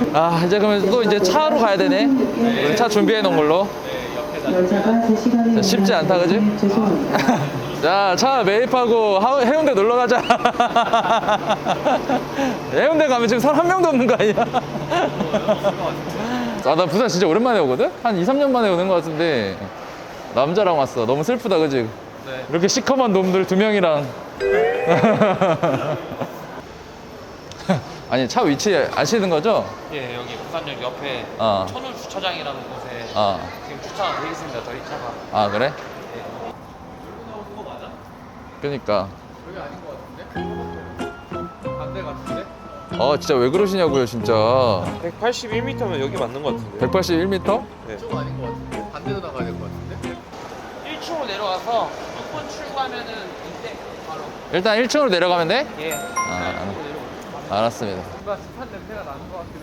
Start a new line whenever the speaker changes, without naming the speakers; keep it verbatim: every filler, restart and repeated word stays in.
아 이제 그러면 또 이제 차로 가야 되네. 우리 차 준비해 놓은 걸로. 자, 쉽지 않다 그지? 자, 차 매입하고 하- 해운대 놀러 가자. 해운대 가면 지금 사람 한 명도 없는 거 아니야? 아, 나 부산 진짜 오랜만에 오거든? 한 이, 삼 년 만에 오는 거 같은데 남자랑 왔어. 너무 슬프다 그지?
네.
이렇게 시커먼 놈들 두 명이랑. 아니 차 위치 아시는 거죠?
예, 여기 부산역 옆에
어.
천울 주차장이라는 곳에
어.
지금 주차가 되어 있습니다. 저희 차가.
아 그래?
그거 맞아?
그니까
여기 아닌 것 같은데? 반대 같은데?
아 진짜 왜 그러시냐고요 진짜.
백팔십일 미터면 여기 맞는 것 같은데?
백팔십일 미터?
네.
쪽 아닌 것 같은데? 반대로 나가야 될 것 같은데?
일 층으로 내려가서 육 번 출구하면은 이때 바로.
일단 일 층으로 내려가면 돼?
예.
아,
일 층으로 내려오세요.
알았습니다.
뭔가 습한 냄새가 나는 것 같기도